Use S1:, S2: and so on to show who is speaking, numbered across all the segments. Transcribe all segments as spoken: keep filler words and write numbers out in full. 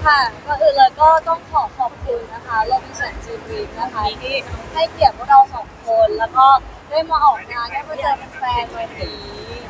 S1: ค่ะก็อื่นเลยก็ต้องขอขอบคุณนะคะโรบินสันจีนวีคนะคะที่ให้เกียรติพวกเราสองคนแล้วก็ได้มาออกงานได้มาเจอแฟนๆวันนี้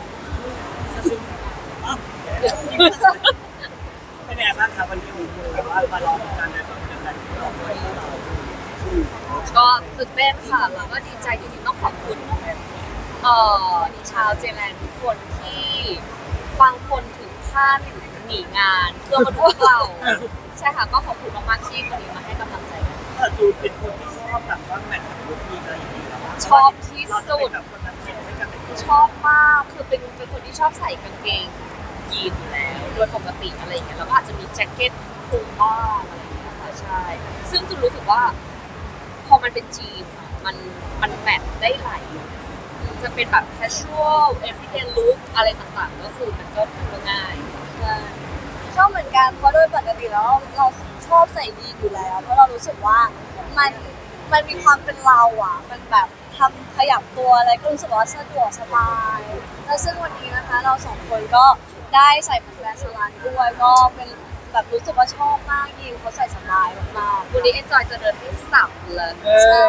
S2: เป็นไงบ้างครับวันนี้คุณแบบว่ามาลองกันในแบบเป็นการที่เราด้วยเรา
S3: ก็ตื่นเต้นค่ะแล้วก็ดีใจจริงๆต้องขอบคุณเอ่อชาวเจแลนด์ทุกคนที่บางคนถึงขั้นหนีงานเพื่อมาดูเราใช่ค่ะก็ขอบคุณมากๆที่วันนี้มาให้กำลังใจกัน
S2: ถ้าดูเป็นคนที่ชอบแบบว่าแมทกับลูกทีอะไรอย่างนี้แล้ว
S3: ชอบที่สุด
S2: แบบคนนั้นเองให้กันเป็น
S3: ชอบมากคือเป็นเป็นคนที่ชอบใส่กางเกงยีนอยู่แล้วโดยปกติอะไรอย่างเงี้ยแล้วก็อาจจะมีแจ็คเก็ตคลุมบ้างอะไรอย่างเงี้ยค่ะใช่ซึ่งจุนรู้สึกว่าพอมันเป็นจีนมันมันแมทได้หลายจะเป็นแบบ casual everyday look อะไรต่างๆก็คือมันก็ง่าย
S1: ชอบเหมือนกันเพราะโดยปกติแล้วเราชอบใส่ยีนอยู่แล้วเพราะเรารู้สึกว่ามันมันมีความเป็นเราอ่ะมันแบบทำขยับตัวอะไรก็รู้สึกว่าสะดวกสบายแล้วซึ่งวันนี้นะคะเราสองคนก็ได้ใส่แบรนด์สลันด้วยก็เป็นแบบรู้สึกว่าชอบมากยีนเขาใส่สบายมาก
S3: ๆวันนี้เอ็นจอยจะเดินให้สับเลย
S1: ใช่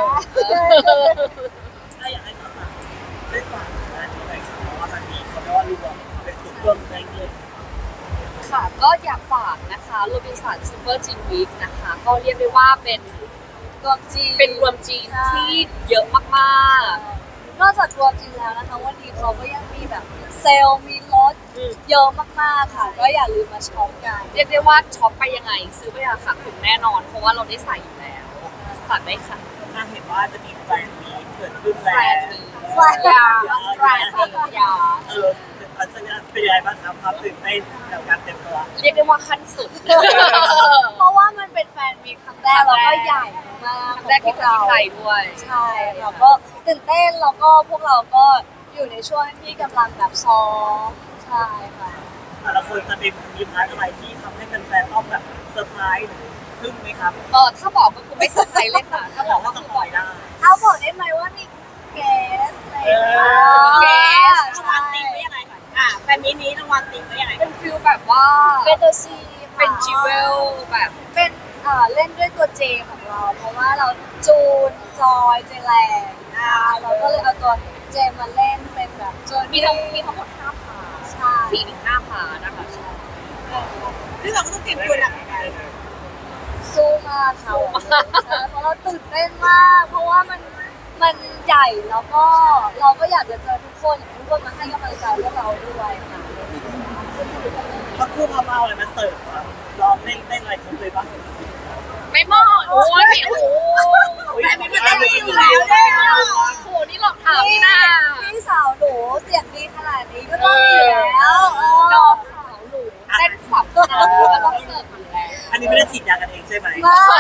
S2: ถ้าอยากให้ฝากได้ฝากงานนี้หน่อยครับเพราะว่ามันมีเขาเรียกว่ารวมเป็นจุดรวมในเงิน
S3: ค่ะก็อยากฝากนะคะโรบินสันซูเปอร์จีนวีคนะคะก็เรียกได้ว่าเป็น
S1: รวมจีน
S3: เป็นรวมจีนที่เยอะมาก
S1: ๆนอกจากรวมจีนแล้วนะคะวันนี้เขาก็ยังมีแบบเซลล์มีลดเยอะมากๆค่ะก็อย่าลืมมาช็อปกัน
S3: เรียกได้ว่าช็อปไปยังไงซื้อไปราคาถูกแน่นอนเพราะว่าเราได้ใส่อยู่แล้วฝากได้ค่ะ
S2: น่าเห็นว่าจะมีแฟนมีเกิดขึ้นแล้ว
S3: แฟนยาแฟนยา
S2: เออเป็นเป็นยังไงบ้างครับความตื่นเต้นกับการเต็มตัว
S3: เรียกได้ว่าขั้นสุด
S1: เพราะว่ามันเป็นแฟนมีครั้งแรกแล้วก็ใหญ่มาก
S3: ครั้งแรกที่ประเทศไทยด้วย
S1: ใช่แล้วก็ตื่นเต้นแล้วก็พวกเราก็อยู่ในช่วงที่กำลังแบบซ้อมใช่ค่ะ
S2: แต่ละคนจะมีมีพาร์ทอะไรที่ทำให้แฟนๆต้องแบบเซอร์ไพรส์หรือทึ่งไหมครับ
S3: เออถ้าบอกก็คือไม่เซอร์ไพรส์เลยค่ะถ้าบอกก็คือบอกได้
S1: เอาบอกได้ไหมว่ามีเกสอะไร
S3: เก
S1: ส
S3: รางวัลติงไว้ยังไงก่อนอ่ะแฟนนี้นี้รางวัลติงไว้ยังไงเป็นฟิลแบบว่า
S1: เป็นตัวซี
S3: เป็นจิเวลแบบ
S1: เป็นเอ่อเล่นด้วยตัวเจของเราเพราะว่าเราจูนจอยเจแลนอ่าเราก็เลยเอาตัวเจมาเล่นเป็นแบบ
S3: มีทั้งมีทั้งหมดห้าพา
S1: ใช่
S3: สี่ถึงห้าพานะคะใช่
S2: ที่เราก็ต้องเตรียมตัวหนักเหมือนกัน
S1: สู้มากค่ะเพราะเราตื่นเต้นมากเพราะว่ามันมันใหญ่แล้วก็เราก็อยากจะเจอทุกคนทุกคนมาให้กำลังใจพวกเราด้วยค่ะ
S2: ถ้าคู่พามาอะไรมาเสิร์ฟลองเล่นเล่นอะไรคุ้มเลยปะ
S3: ไม่หมดโอ้ยโอ้ยแบบนี้มันได้อยู่แล้วเนี่ยโอ้นี่หลอกถามนี่นะ
S1: พี่สาวหนูเสียงดีขนาดนี้ก็ต้องอยู่แล้ว
S3: ดอกสาวหนูเต้นสับก็ต้องเสิร์ฟอยู่แล้ว
S2: อันนี้ไม่ได้ฉีดยากันเองใช่ไหม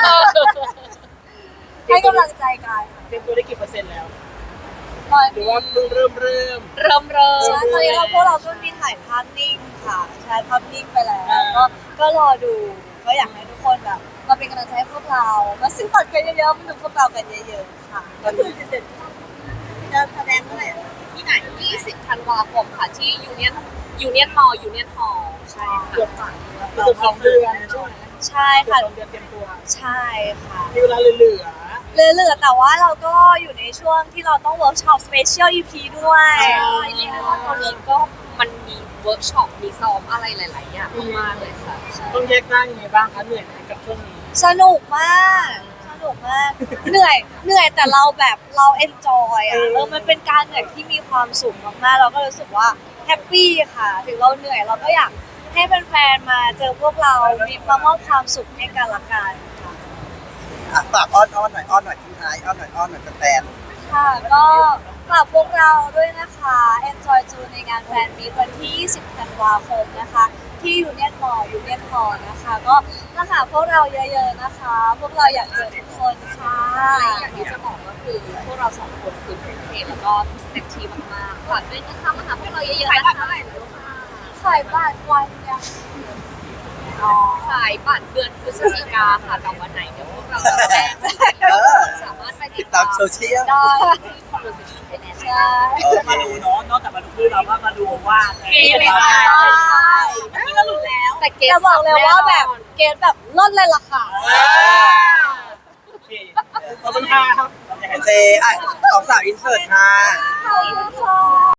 S1: ให้กำลังใจกัน
S2: เตรียมตัวได้กี่เปอร์เซ็นต์แล้ว
S1: หรือ
S2: ว่าเพิ่งเริ่มเริ่ม
S3: เริ่มเริ่ม
S1: ใช่ตอนนี้เราพวกเราก็มีถ่ายภาพนิ่งค่ะใช้ภาพนิ่งไปแล้วก็ก็รอดูก็อยากให้ทุกคนแบบมาเป็นกำลังใจให้พวกเรามาซื้อบัตรกันเยอะๆมาดูพวกเรากันเยอะๆค่ะ
S2: ก็คือจะจะแสดงเมื่อไหร่
S3: ที่ไหนยี่สิบธันวาคมค่ะที่ยูเนียนยูเนียนมอลล์ยูเนียนฮอลล์ใช่ค่ะ
S2: เกือบสสองเดือนใช่ไหม
S1: ใช่ค่ะ
S2: สองเดือนเตรียมตัว
S1: ใช่ค่ะ
S2: มีเวลาเหลือเหลือ
S1: เหลือแต่ว่าเราก็อยู่ในช่วงที่เราต้องเวิร์กช็อปสเปเชียล อี พี ด้วย
S3: ใช่เรียกได้ว่าตอนนี้ก็มันมีเวิร์กช็อปมีซ้อมอะไรหลายๆอย่างมากเลยค่ะ
S2: ต้องแยกร่างยังไงบ้างคะเหนื่อยไหมกับช่วงนี้
S1: สนุกมากสนุกมากเหนื่อยเหนื่อยแต่เราแบบเราเอนจอยอ่ะเออมันเป็นการเหนื่อยที่มีความสุขมากๆเราก็รู้สึกว่าแฮปปี้ค่ะถึงเราเหนื่อยเราก็อยากให้แฟนๆมาเจอพวกเรามีมามอบความสุขให้กันละกัน
S4: ค่ะฝากอ้อนอ้อนหน่อยอ้อนหน่อยทิ้งท้ายอ้อนหน่อยอ้อนหน่อยแฟน
S1: ค่ะก็ฝากพวกเราด้วยนะคะ Enjoy จูในงานแฟนมีตวันที่ยี่สิบธันวาคมนะคะที่ยูเนียนมอลล์ยูเนียนฮอลล์นะคะก็มาหาพวกเราเยอะๆนะคะพวกเราอยากเจอทุกคนค่ะ
S3: อย่างที่จะบอกก็คือพวกเราสองคนคือเป็นเพลแล้วก็เต็มที่มากๆฝากด้วยนะคะมาหาพวกเราเยอะๆนะคะ
S1: ขายบัตรวันยัง
S3: ขายบัตรเดือนพฤศจิกาค่ะแต่วันไหนเดี๋ยวพวกเราจะแจ้งสามารถไป
S4: ติดตามโซเชียล
S3: ได้ที่ Conversation Thailand
S1: ได้
S2: มาดูเนาะนอกจากมาดูคือเราก็มาดูว่า
S3: เกย์ไม่ได้เมื่อกี้เราหลุดแล้วแต่เก
S1: จะบอกเลยว่าแบบเกรดแบบลดเลยล่ะค่ะ
S2: โอเคขอบคุณครับ
S4: โอเคอ่ะสองสาวอินเสิร์ตค่ะ
S1: ขอบคุณค่ะ